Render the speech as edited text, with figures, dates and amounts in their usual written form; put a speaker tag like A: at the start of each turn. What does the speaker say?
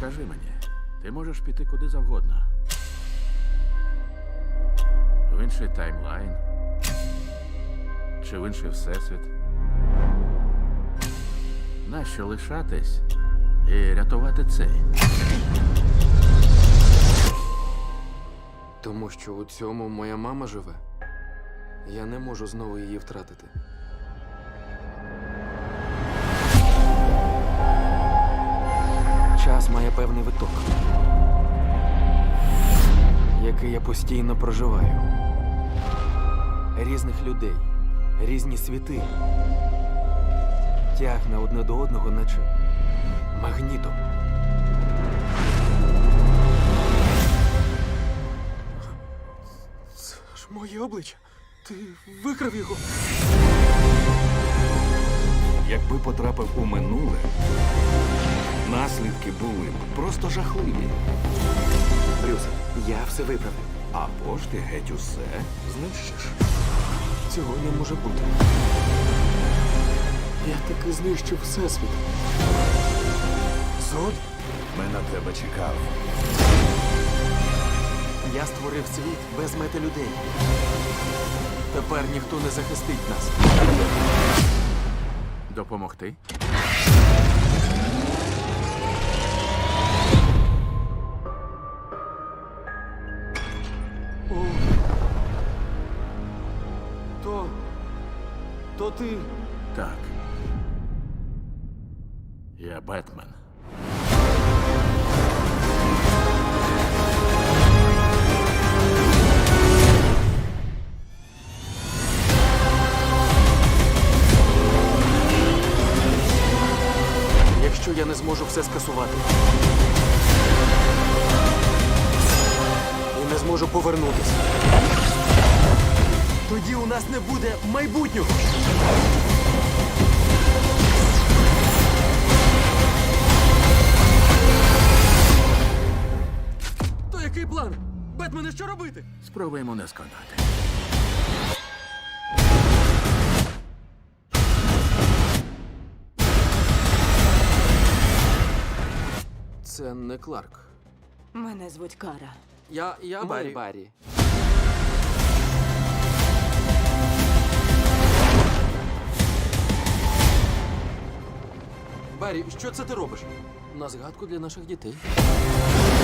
A: Скажи мені, ти можеш піти куди завгодно. В інший таймлайн. Чи в інший всесвіт. Нащо лишатись і рятувати цей?
B: Тому що у цьому моя мама живе. Я не можу знову її втратити. Час має певний виток, який я постійно проживаю. Різних людей, різні світи. Тягне одне до одного, наче магнітом. Це ж моє обличчя. Ти викрав його.
C: Якби потрапив у минуле, наслідки були б просто жахливі.
B: Брюсе, я все виправив.
C: Або ж ти геть усе знищиш.
B: Цього не може бути. Я таки знищив всесвіт. Зод?
C: Ми на тебе чекав.
B: Я створив світ без мети людей. Тепер ніхто не захистить нас.
A: Допомогти?
B: О. То ти.
A: Так. Я Бетмен.
B: Якщо я не зможу все скасувати. І не зможу повернутися. Тоді у нас не буде майбутнього. То який план? Бетмене, що робити?
A: Спробуємо не сконати.
B: Це не Кларк.
D: Мене звуть Кара.
B: Я Баррі. Баррі, що це ти робиш? На згадку для наших дітей.